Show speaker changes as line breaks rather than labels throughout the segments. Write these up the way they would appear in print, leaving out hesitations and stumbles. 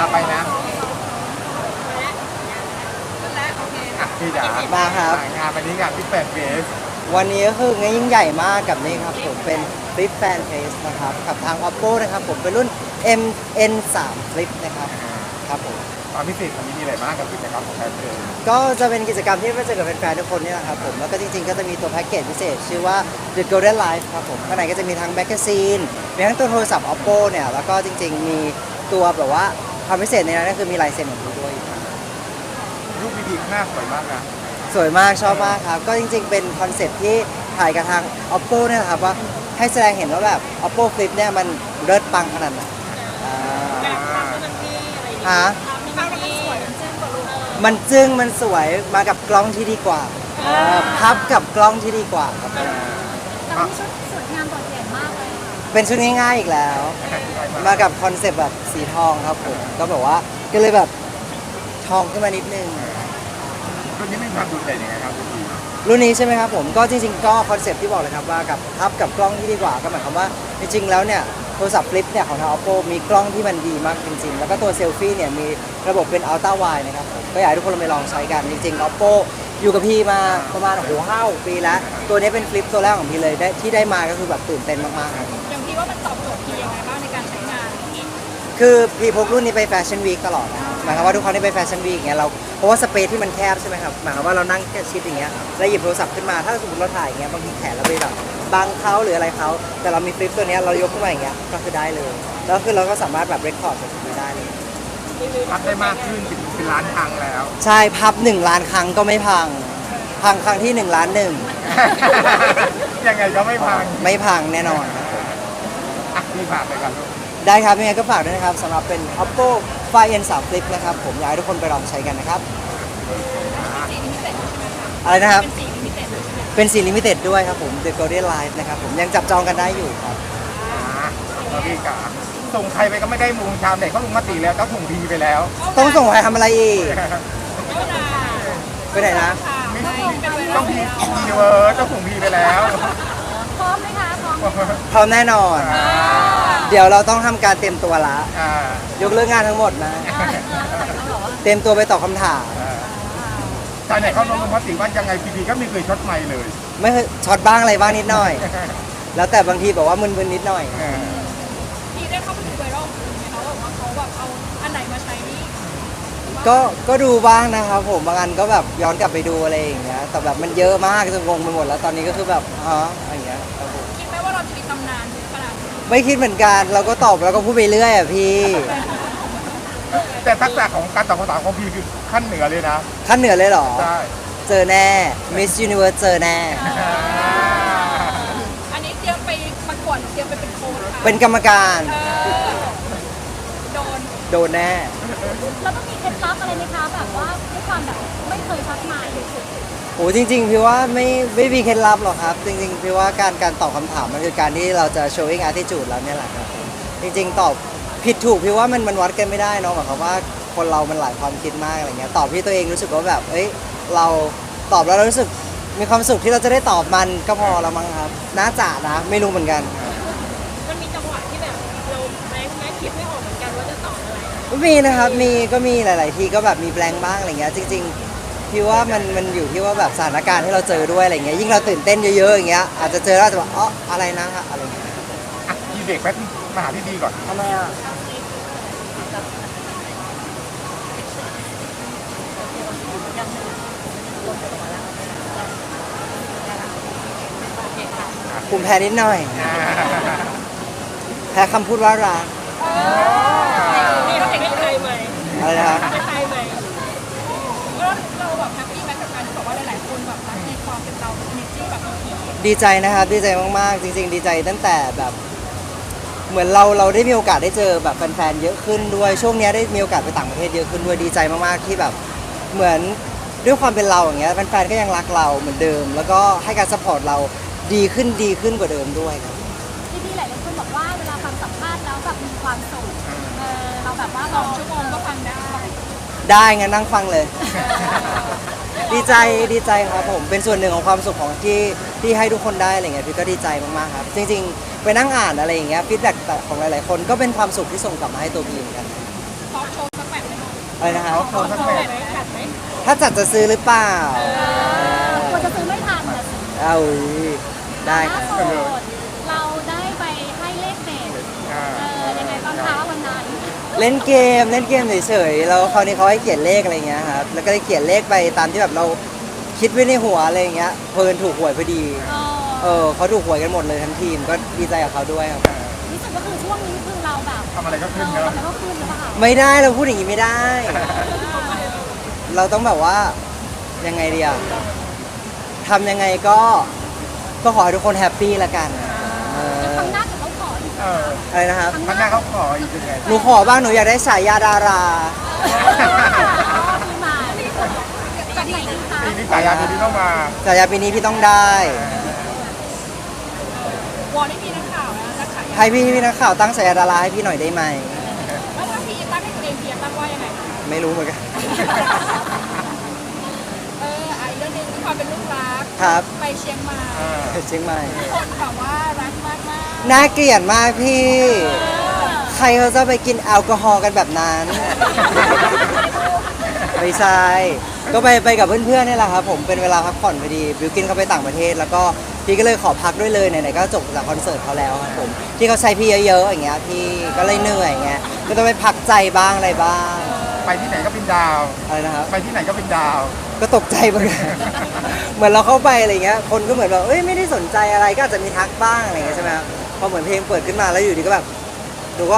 ไปนะพี่จ๋า
มาครับ
งานวันนี้งานที่แปดเฟส
วันนี้ก็คืองานยิ่งใหญ่มากกับนี่ครับผมเป็น Flip Fan Face นะครับกับทาง Oppo นะครับผมเป็นรุ่น MN3 Flip นะครับครับผม
ความพิเศษของนี้มีอะไรบ้างกับกิจกรรมของแฟนเพจ
ก็จะเป็นกิจกรรมที่มาเจอกับแฟนๆทุกคนนี่แหละครับผมแล้วก็จริงๆก็จะมีตัวแพ็กเกจพิเศษชื่อว่า The Golden Life ครับผมข้างในก็จะมีทั้งแมกกาซีนมีทั้งตัวโทรศัพท์ Oppo เนี่ยแล้วก็จริงๆมีตัวแบบว่าความพิเศษในนั้นก็คือมีลายเซ็นของพี่ด้วย
รูปดีๆหน้าสวยมากนะ
สวยมากชอบมากครับก็จริงๆเป็นคอนเซ็ปต์ที่ถ่ายกับทาง Oppo เนี่ยนะครับว่าให้แสดงเห็นว่าแบบ Oppo Flip เนี่ยมันเลิศปังขนาดไหนฮะมันจึ้งมันสวยมากับกล้องที่ดีกว่าพับกับกล้องที่ดีกว่าครับ
แต่มีชุดสวยงามโดดเด่นมากเลย
เป็นชุดง่ายๆอีกแล้ว มากับคอนเซ็ปต์แบบสีทองครับผมก็แบบว่าก็เลยแบบทองขึ้นมานิดนึง
รุ่นนี้มีความโดดเด่นยังไงครับพี่
รุ่นนี้ใช่ไหมครับผมก็จริงๆก็คอนเซ็ปต์ที่บอกเลยครับว่ากับพับกับกล้องที่ดีกว่าก็หมายความว่าจริงๆแล้วเนี่ยโทรศัพท์ฟลิปเนี่ยของทาง Oppo มีกล้องที่มันดีมากจริงๆแล้วก็ตัวเซลฟี่เนี่ยมีระบบเป็น Ultra Wide นะครับผมก็อยากให้ทุกคนลองไปลองใช้กันจริงๆ Oppo อยู่กับพี่มาประมาณ5 ปีแล้วตัวนี้เป็นฟลิปตัวแรกของพี่เลยที่ได้มาก็คือแบบตื่นเต้นมากๆครับ
อย่างพี่ว่ามันตอบโจทย์พี่ยังไงบ้างในการใช้งาน
คือพี่พกรุ่นนี้ไปแฟชั่นวีคตลอดนะครับหมายความว่าทุกครั้งที่ไปแฟชั่นวีคอย่างเงี้ยเราเพราะว่าสเปซที่มันแคบใช่ไหมครับหมายความว่าเรานั่งแค่ชิดอย่างเงี้ยแล้วหยิบโทรศัพท์ขึ้นมาถ้าสมมติเราถ่ายอย่างเงี้ยบางทีแขนเราไปแบบบังเขาหรืออะไรเขาแต่เรามีฟลิปตัวเนี้ยเรายกขึ้นมาอย่างเงี้ยก็คือได้เลยแล้วคือเราก็สามารถแบบเรคคอร์ดจากตรงนี้ได้เลย
พับได้มากขึ้นเป็นล้านครั้งแล้ว
ใช่พับ1 ล้านครั้งก็ไม่พังครั้งที่1 ล้าน 1
ยังไงก็ไม่พัง
แน่นอนครับ
พี่ฝากไปกัน
ได้ครับยังไงก็ฝากด้วยนะครับสำหรับเป็น Oppo Find N3 Flip นะครับผมอยากให้ทุกคนไปลองใช้กันนะครับอะไรนะครับเป็นสีลิมิเต็ดด้วยครับผม The Golden Life นะครับผมยังจับจองกันได้อยู่ครับ
พี่กาส่งใครไปก็ไม่ได้มุงชามเด็กเขาลงมติแล้วก็ถุงพีไปแล้ว
ต้องส่งใครทำอะไรอีกไปไหนนะ
ต้องพีเวอร์ต้องถุงพีไปแล้ว
พร้อมไหมคะ
พร้อมแน่นอนเดี๋ยวเราต้องทำการเตรียมตัวละยกเลิกงานทั้งหมดนะเตรียมตัวไปตอบคำถาม
ตอนไหนเขาลงมติว่ายังไงพีก็ไม่เคยช็อตไมค์เลย
ไม่เคยช็อตบ้างอะไรบ้างนิดหน่อยแล้วแต่บางทีแบบว่ามึนๆนิดหน่อย
พี่ได้เข้าไปดูไวรัลเขาบอกว่าเขาแบบเอาอันไหนมาใช้นี่
ก็ดูบ้างนะครับผมบางอันก็แบบย้อนกลับไปดูอะไรอย่างเงี้ยแต่แบบมันเยอะมากจนงงไปหมดแล้วตอนนี้ก็คือแบบอะไรอย่างเงี้ย
คิดไหมว่าเราจะมีตำนานขนาดนี้
ไม่คิดเหมือนกันเราก็ตอบแล้วก็พูดไปเรื่อยอ่ะพี่
แต่ทักษะของการตอบคำถามของพี่คือขั้นเหนือเลยนะ
ขั้นเหนือเลยเหรอ
ใช่
เจอแน่ Miss Universe เจอแน่
อันนี้เตรียมไปประกวดเตรียมไปเป็นโค้ช
เป็นกรรมการโดนแน่
แล้วต้องมีเคล็ดลับอะไรไหมคะแบบว่าด้วยความแบบไม่เคยทักมา
โหจริงๆพี่ว่าไม่มีเคล็ดลับหรอกครับจริงๆพี่ว่าการตอบคำถามมันคือการที่เราจะ showing attitude แล้วเนี่ยแหละครับจริงๆตอบผิดถูกพี่ว่ามันวัดกันไม่ได้เนาะหมายความว่าคนเรามันหลายความคิดมากอะไรเงี้ยตอบที่ตัวเองรู้สึกว่าแบบเราตอบแล้วเรารู้สึกมีความสุขที่เราจะได้ตอบมันก็พอแล้วมั้งครับน่าจะนะไม่รู้เหมือนกัน
มันมีจังหวะที่แบบเราแม้คิดไม่ออกเหมือนกันว่าจะตอบอะไร
มีนะครับก็มีหลายๆทีก็แบบมีแบงค์บ้างอะไรเงี้ยจริงๆพี่ว่ามันอยู่ที่ว่าแบบสถานการณ์ที่เราเจอด้วยอะไรเงี้ยยิ่งเราตื่นเต้นเยอะๆอย่างเงี้ยอาจจะเจอแล้วจะบอกอะไรนะฮะอะไรเงี้ย
พี่เด็กแป๊บมาหาพี่ดีก่อน
ทำไมอ่ะภูมิแพ้นิดหน่อยแพ้คำพูดว่ารัก
นี่เขาเด็กให้ใครไหม
อะไรนะครับ
ให้ใครไหมเราแบบแฮปปี้ไหมกับการที่บอกว่าหลายๆคนแบบรักในความเป็นเราเนจี้แบบ
ดีใจนะครับดีใจมากๆจริงๆดีใจตั้งแต่แบบเหมือนเราได้มีโอกาสได้เจอแบบแฟนๆเยอะขึ้นด้วยช่วงนี้ได้มีโอกาสไปต่างประเทศเยอะขึ้นด้วยดีใจมากๆที่แบบเหมือนด้วยความเป็นเราอย่างเงี้ยแฟนๆก็ยังรักเราเหมือนเดิมแล้วก็ให้การซัพพอร์ตเราดีขึ้นกว่าเดิมด้วยครับ
ที่หลายคนบอกว่าเวลาฟังสัมภาษณ์แล้วแบบมีความสุขเราแบบว่า2 ชั่วโมงก็ฟัง
ได้งั้นนั่งฟังเลยดีใจครับผมเป็นส่วนหนึ่งของความสุขของที่ให้ทุกคนได้อะไรเงี้ยพี่ก็ดีใจมากๆครับจริงๆไปนั่งอ่านอะไรอย่างเงี้ยฟีดแบ็กของหลายๆคนก็เป็นความสุขที่ส่งกลับมาให้ตัวพี่เหมือนกัน
พอโชว์ส
อะไรนะฮะ
เอาโชว์สักแมตช์
จัดไหม
ถ้าจัดจะซื้อหรือเปล่า
ควรจะซื้อไม่ทันแต่
เอาได้ครับ
ล่าสุดเราได้ไปให้เลขเด็ด
อ่า
ยังไงบ้างคะวันนั้น
เล่นเกมเฉยๆแล้วคราวนี้เขาให้เขียนเลขอะไรเงี้ยครับแล้วก็ได้เขียนเลขไปตามที่แบบเราคิดไว้ในหัวอะไรเงี้ยเพลินถูกหวยพอดีเขาถูกหวยกันหมดเลยทั้งทีมก็ดีใจกับเขาด้วยครับ
รู้สึกก็คือช่วงนี้คือเราแบบ
ทำอะไรก็ขึ้น
เรา
เนอะ
ทำอะไรก็ขึ้นหรือเปล่า
ไม่ได้เราพูดอย่างนี้ไม่ได้ เราต้องแบบว่ายังไงดีอะทำยังไงก็ขอให้ทุกคนแฮปปี้ละกันเออ
ครั้งหน้าจะเขาขออีก
อะไรนะครับ
ข้างหน้าเขาขออีกยังไง
หนูขอบ้างหนูอยากได้ฉายาดารา
ปีใหม่จะดีคะ
ปีนี้สายยาปีนี้ต้องมา
ฉายาปีนี้พี่ต้องได้
วอลได้มีนักข่าวนะนักข่าว
ให้พี่นักข่าวตั้งฉายาดาราให้พี่หน่อยได้ไหม
แล้วถ้าพี่ตั้งให้ตัวเองเพียงตั้งว่ายังไง
ไม่รู้เหมือนกัน
อีกเรื่องหนึงที่ความเป็นลูกรัก
ครับ
ไปเชียงใหม่
เชียงใหม่
คนแบบว่ารักมากมาก
น่าเกลียดมากพี่ ใครเขาจะไปกินแอลกอฮอล์กันแบบนั้น ไม่ใช่ก็ไปกับเพื่อนๆนี่แหละครับผมเป็นเวลาพักผ่อนพอดีบิวกินเขาไปต่างประเทศ แล้วก็พี่ก็เลยขอพักด้วยเลยไหนๆก็จบจากคอนเสิร์ตเขาแล้วครับผมที่เขาใช้พี่เยอะๆอย่างเงี้ยพี่ก็เลยเหนื่อยอย่างเงี้ยก็ต้องไปพักใจบ้างอะไรบ้าง
ไปที่ไหนก็เป็นดาว
อะไรนะครับ
ไปที่ไหนก็เป็นดาว
ก็ตกใจเหมือนกัน เหมือนเราเข้าไปอะไรเงี้ยคนก็เหมือนแบบเอ้ยไม่ได้สนใจอะไรก็อาจจะมีทักบ้างอะไรเงี้ยใช่ไหมครับพอเหมือนเพลงเปิดขึ้นมาแล้วอยู่ดีก็แบบดูก็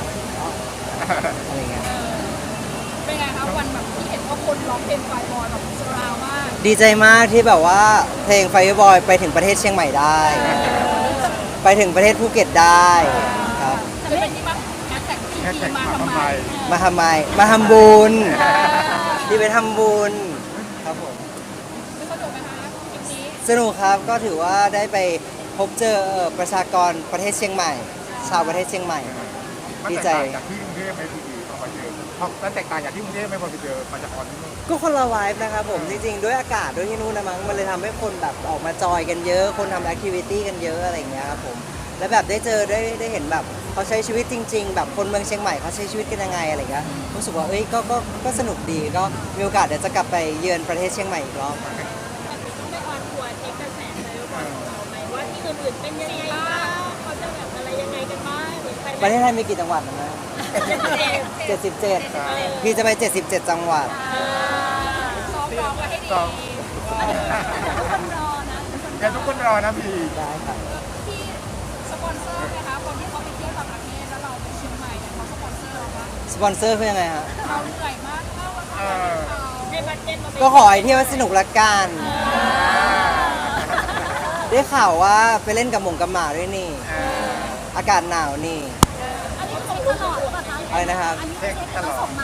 อะไรเงี้ย
เป็นไงคะวันแบบที่เห็นว่าคนร้องเพลงไฟบอยแบบสราวมาก
ดีใจมากที่แบบว่าเพลง Fireboy ไปถึงประเทศเชียงใหม่ได้ ไปถึงประเทศภูเก็ตได้ครับ
จะเป็นที่มาแฮชแท็กที่ทีมาทำไม
มาทำไมมาทำบุญที่ไปทำบุญครับผม
ไม่สนุกไหมคะคลิปนี้
สนุกครับก็ถือว่าได้ไปพบเจอประชากรประเทศเชียงใหม่ ชาวประเทศเชียงใหม่
มัน
ดี
แตก
ใจ
ต่างจากที่กรุงเทพไหมพี่พอมาเจอเพราะมันแตกต่างจากที่กรุงเทพไหมพอไปเจอมาจากออนที่นู่น
ก็คนละไวฟ์นะครับผมจริงๆ ด้วยอากาศด้วยที่นู่นนะมั้งมันเลยทำให้คนแบบออกมาจอยกันเยอะ คนทำแอคทิวิตี้กันเยอะอะไรอย่างเงี้ยครับผมแล้วแบบได้เจอได้เห็นแบบเขาใช้ชีวิตจริง ๆ แบบคนเมืองเชียงใหม่เขาใช้ชีวิตกันยังไงอะไรอย่างเงี้ยรู้สึกว่าเอ้ยก็สนุกดีก็มีโอกาสเดี๋ยวจะกลับไปเยือนประเทศเชียงใหม่อีกรอบ
ไม่ออนทัวร์เทคกระแสเลยว่าไหมว่าที่อื่นๆเป็นยังไงบ้างเขาจะแบบอะไรยังไงกันบ้างหรือใคร
ประเทศไทยมีกี่จังหวัดนะ 77 พี่จะไป 77 จังหวัด
ซ้อมร้องไว้ให้ดี
ซ้อม
ทุกคนรอนะ
เดี๋ยวทุกคนรอนะพี่
ได้ครับ
ที่สปอนเซอร์นะคะคนที่เขาไปเที่ยวต่างประเทศแล้วเราไปเชียงใหม่เนี่ยเขาสปอนเซอร์เราว่า
สปอนเซอร์คือยังไงฮะ
เราเหนื่อยมากเข้าว่าเขาในบัตเจ็ตมา
ก็ขอให้เที่ยวสนุกละกัน ได้ข่าวว่าไปเล่นกับหมงกับหมาด้วยนี่ อากาศหนาวนี่
อันนี้เช็คตลอดหรือเปล่าคะ
อะไรนะครับ
อันนี้เช็คตลอดมา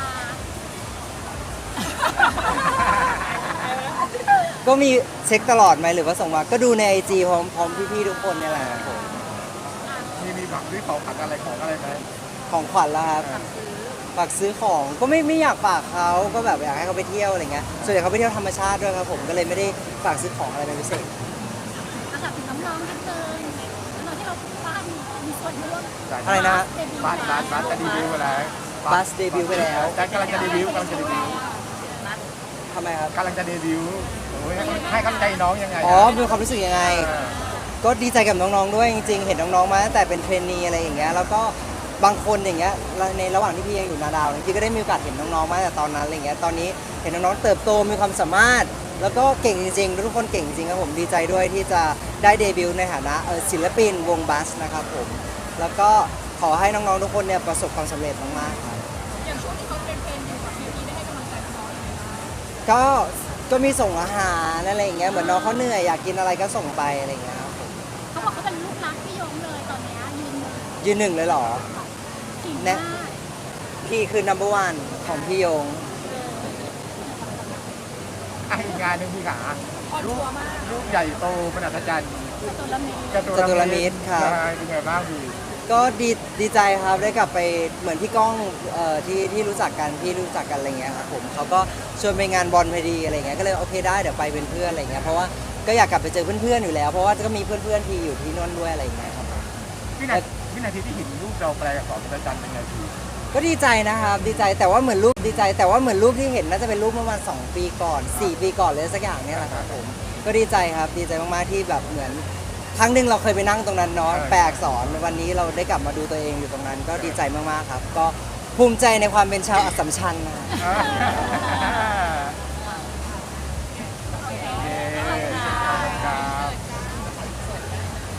ก็มีเช็คตลอดไหมหรือว่าส่งมา ก็ดูในไอจีพร้อมพี่ๆทุกคนเนี่ยแหละครับผม
มีผักด้วยของผักอะไรของอะไรไหม
ของขวัญแล้วครับฝากซื้อของก็ไม่อยากฝากเขาก็แบบอยากให้เขาไปเที่ยวอะไรเงี้ยส่วนใหญ่เขาไปเที่ยวธรรมชาติด้วยครับผมก็เลยไม่ได้ฝากซื้อของอะไรเป็นพิเศษ
อาจารย์ถึงน้องๆนิดนึงน้องที่เราบ้านมีส่วนร่วม
อะไรนะฮะ
บ้านจะดีวิวไปแล้ว
บัสเดบิวต์ไปแล้ว
แต่กำลังจะเดบิวต์
ทำไมครับ
กำลังจะเดบิวต์โอ้ยให้กำลังใจน้องยังไง
อ๋อมีความรู้สึกยังไง ก็ดีใจกับน้องๆด้วยจริงๆ เห็นน้องๆมาตั้งแต่เป็นเทรนนีอะไรอย่างเงี้ยแล้วก็บางคนอย่างเงี้ยในระหว่างที่พี่ยังอยู่นาดาวพี่ก็ได้มีโอกาสเห็นน้องๆมาตั้งแต่ตอนนั้นอะไรเงี้ยตอนนี้เห็นน้องๆเติบโตมีความสามารถ แล้วก็เก่งจริงๆทุกคนเก่งจริงครับผมดีใจด้วยที่จะได้เดบิวต์ในฐานะศิลปินวงบัสนะครับผมแล้วก็ขอให้น้องๆทุกคนเนี่ยประสบความสำเร็จมากๆครับ
อย่างช่วงที่เขาเทรนอยู่กับพี่ได้ให้กำลังใจน้องๆยังไงบ้าง
ก็มีส่งอาหารอะไรอย่างเงี้ยเหมือนน้องเขาเหนื่อยอยากกินอะไรก็ส่งไปอะไรอย่างเงี้ยครับผม
เขาบอกเขาเป็นลูกรักพี่ยงเลยตอนเนี้ยยืนหนึ่ง
ยืนหนึ่งเลยเหรอ
กิ่ง
แน่
มาก
พี่คือ number one ของพี่ยง
อีกงานหนึ่งพี่ขา
ออนทัวร์มาก
รูปใหญ่โตเป็นอัศจรรย์
ตัวละเมตร
จตุรมิตรเป็นไงบ้างพี่
ก็ดีใจครับได้กลับไปเหมือนพี่ก้องที่รู้จักกันพี่รู้จักกันอะไรเงี้ยครับผมเขาก็ชวนไปงานบอลพอดีอะไรเงี้ยก็เลยโอเคได้เดี๋ยวไปเป็นเพื่อนอะไรเงี้ยเพราะว่าก็อยากกลับไปเจอเพื่อนๆอยู่แล้วเพราะว่าก็มีเพื่อนๆที่อยู่ที่นั่นด้วยอะไรเงี้ยครับ
วินาทีที่เห็นรูปเราแปลกับสอนอัศจรรย์เป็นไงพี่
ก็ดีใจนะครับดีใจแต่ว่าเหมือนรูปดีใจ แต่ว่าเหมือนรูปที่เห็นน่าจะเป็นรูปเมื่อประมาณ2 ปีก่อน4 ปีก่อนเลยสักอย่างเนี่ยแหละครับผมก็ดีใจครับดีใจมากๆที่แบบเหมือนครั้งหนึ่งเราเคยไปนั่งตรงนั้นเนาะแปลอักษรวันนี้เราได้กลับมาดูตัวเองอยู่ตรงนั้น ก็ดีใจมากๆครับ ก็ภูมิใจในความเป็นชาวอัสสัมชัญนะ